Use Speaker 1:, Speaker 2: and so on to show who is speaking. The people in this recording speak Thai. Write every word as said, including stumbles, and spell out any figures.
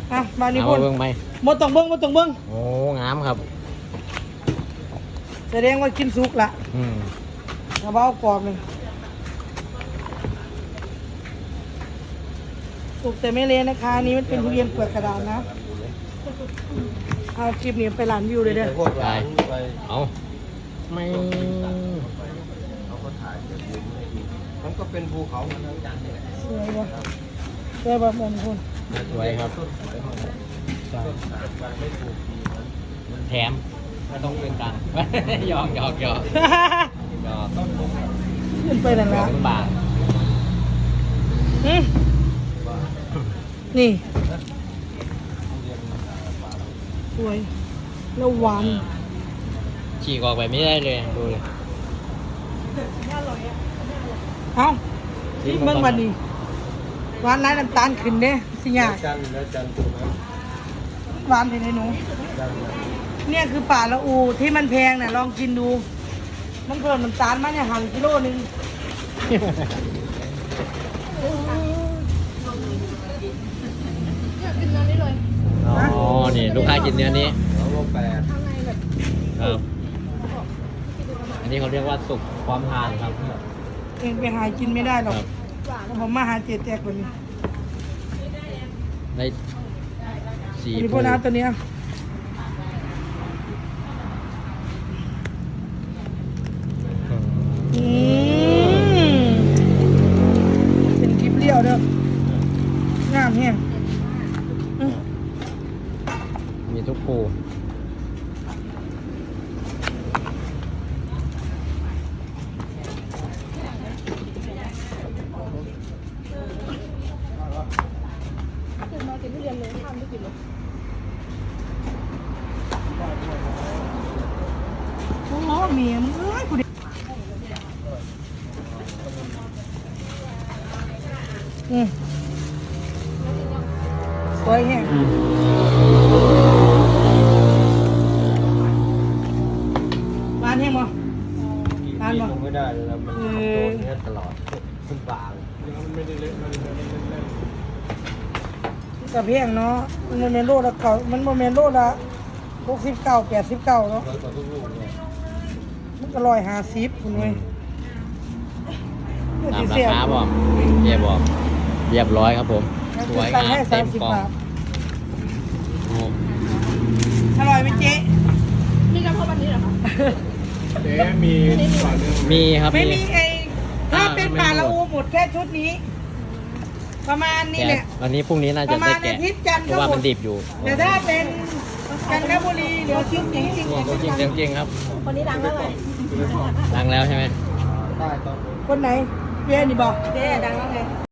Speaker 1: อ่ะมานี่
Speaker 2: เอา
Speaker 1: พุ่น
Speaker 2: เบิ้งไหม
Speaker 1: หมดต้องเบิ้งหมดต้องเบิ้ง
Speaker 2: โอ้งามครับ
Speaker 1: แสดงว่ากินสุกละ
Speaker 2: อืม
Speaker 1: กระเบ้ากรอบเลยสุกแต่ไม่เละนะคะอันนี้มันเป็นทุเรียนเปลือกกระดาษนะเอาคลิปนี้ไปร้านวิวเลยเด้อ
Speaker 3: พวกร้านไป
Speaker 2: เอาไม่
Speaker 3: เขาก็ถ่ายแบบนี้มันก็เป็นภูเขาเหมือนกัน
Speaker 1: สวยบ่สวยบ่เหมือนคน
Speaker 2: สวยครับ
Speaker 3: ต้นสายการไม่ถูกดีมัน
Speaker 2: แถมไม่ต้องเป็นตังค์ หยอกหยอกหยอกหยอก
Speaker 3: ต้นลง
Speaker 1: ขึ้นไปนั่น
Speaker 2: หยอ
Speaker 1: ละ
Speaker 2: กเป็นบาท
Speaker 1: อืม
Speaker 3: ว่า
Speaker 1: นี่
Speaker 3: เรียน
Speaker 1: สวยแล้วหวาน
Speaker 2: ฉีกออกไปไม่ได้เลยดูเลย
Speaker 1: เอ้าที่เมืองวันนี้หวานร้ายน้ำตาลขึ้นเด้สิยาก
Speaker 3: จันทร์และจันทร์ตัวนั้น
Speaker 1: หวานเป็นไงหนู
Speaker 3: จันทร์นะ
Speaker 1: เนี่ยคือป่าละอูที่มันแพงเนี่ยลองกินดู มันเพิ่มน้ำตาลมาเนี่ยหั่นกิโลนึง
Speaker 2: อ๋อนี่ลูกค้ากินเนื้อนี้
Speaker 3: แล้วก็แปด
Speaker 2: ครับ อันนี้เขาเรียกว่าสุกความทานครับ
Speaker 1: เองไปหากินไม่ได้หรอก
Speaker 2: ครับ
Speaker 1: ผมมาหาเจ็ดแจกคนนี้
Speaker 2: ได้สี
Speaker 1: อันนี้พ
Speaker 2: ภู
Speaker 1: วกน้ำตัวเนี้ย
Speaker 2: อืม
Speaker 1: อืมเป็นคลิปเลี้ยวเด้องามแฮงอืม
Speaker 2: มีทุกภู
Speaker 1: โอ้โหเมียมึงเอ้ยกูดิอืมสวยแฮงหวานแฮงบ่
Speaker 3: กี่
Speaker 1: ทาน
Speaker 3: ปี
Speaker 1: บ่
Speaker 3: ลงไม่ได้เลยนะมัน
Speaker 1: เอ
Speaker 3: โด
Speaker 1: อ
Speaker 3: นเนี้ยตลอดขึ้นบางมันไม่ได้เละมันไม่ได้เล่น
Speaker 1: กับเพียงเนาะมันโมเมนโลละเก่ามันโมเมนโลละหกสิบเก้าแปดสิบเก้าเนาะ
Speaker 3: ร้อยกว่าทุกลูกเนี่ย
Speaker 1: มันก็ร้อยห้าสิบคุณเว้ย
Speaker 2: ตามราคาบอกเจ๊บอกเรียบร้อยครับผม สวย
Speaker 1: ตัง
Speaker 2: งาม
Speaker 1: ให้
Speaker 2: เต็
Speaker 1: สาม
Speaker 2: ม
Speaker 1: สิบ
Speaker 2: กล่อง
Speaker 1: บาท
Speaker 2: โอ้
Speaker 1: อร่อยไหมเจ๊
Speaker 4: มีกระเพาะวันนี้เหรอคะ
Speaker 3: เจ๊มีฝั่งนึง
Speaker 2: มีครับ
Speaker 1: ไม่
Speaker 2: มี
Speaker 1: มีไอ้ถ้า
Speaker 2: อ่า
Speaker 1: เป็น
Speaker 2: ไม่
Speaker 1: ปลา
Speaker 2: หมด
Speaker 1: ละอูหมดแค่ชุดนี้ ประมาณนี้
Speaker 2: แต่
Speaker 1: แหละ
Speaker 2: วันนี้พรุ่งนี้น่า
Speaker 1: ป
Speaker 2: จะ
Speaker 1: ระมา
Speaker 2: ได้
Speaker 1: ณอา
Speaker 2: แกะ
Speaker 1: ทิตย์จันทร์
Speaker 2: เพ
Speaker 1: ก็
Speaker 2: ราะว่า
Speaker 1: หม
Speaker 2: มั
Speaker 1: ด
Speaker 2: นดิบอยู่
Speaker 1: แต่ถ้าเป็นจันทบุรีเหลือชิ้นจริงจริง
Speaker 2: ตัวจริงเสียงจริงครับ
Speaker 4: คนนี้ดังแล้วไง
Speaker 2: ดังแล้วใช่ไหม
Speaker 3: ใต้ตอน
Speaker 1: คนไหนเพี้ยนี่บอก
Speaker 4: เจ๊ดังแล้วไง